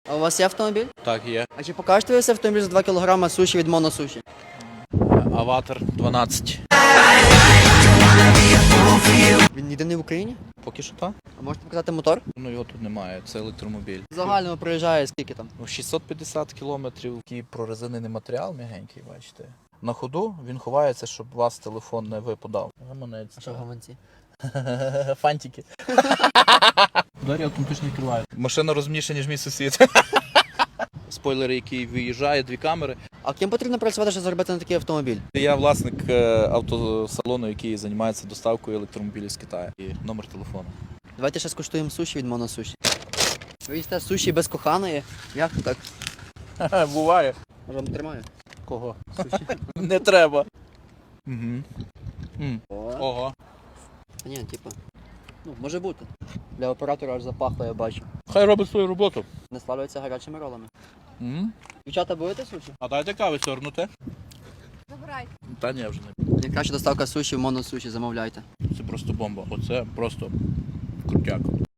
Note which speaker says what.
Speaker 1: А у вас є автомобіль?
Speaker 2: Так, є.
Speaker 1: А чи покажете ви цей автомобіль за 2 кг суші від Моносуші?
Speaker 2: Аватар 12.
Speaker 1: Він єдиний в Україні?
Speaker 2: Поки що так.
Speaker 1: А можете показати мотор?
Speaker 2: Ну його тут немає, це електромобіль.
Speaker 1: В загальному проїжджає скільки там?
Speaker 2: 650 кілометрів. Такий прорезинений матеріал м'ягенький, бачите. На ходу він ховається, щоб у вас телефон не випадав. Гаманець.
Speaker 1: А що в гаманці?
Speaker 2: Фантики. Двері автоматично відкривають. Машина розумніша, ніж мій сусід. Спойлер, який виїжджає, 2 камери.
Speaker 1: А ким потрібно працювати, щоб заробити на такий автомобіль?
Speaker 2: Я власник автосалону, який займається доставкою електромобілів з Китаю. І номер телефону.
Speaker 1: Давайте ще скуштуємо суші від Моносуші. Ви їсте суші без коханої? Як то так?
Speaker 2: Буває.
Speaker 1: Може вам тримаю?
Speaker 2: Кого?
Speaker 1: Суші.
Speaker 2: Не треба.
Speaker 1: О.
Speaker 2: Ого.
Speaker 1: Та ні, типу. Ну, може бути. Для оператора аж запахло, я бачу.
Speaker 2: Хай робить свою роботу.
Speaker 1: Не славляться гарячими ролами. Дівчата, будете суші?
Speaker 2: А дайте кави сьорнути.
Speaker 3: Забирайте.
Speaker 2: Та ні, вже не.
Speaker 1: Найкраща доставка суші в Моносуші, замовляйте.
Speaker 2: Це просто бомба. Оце просто крутяк.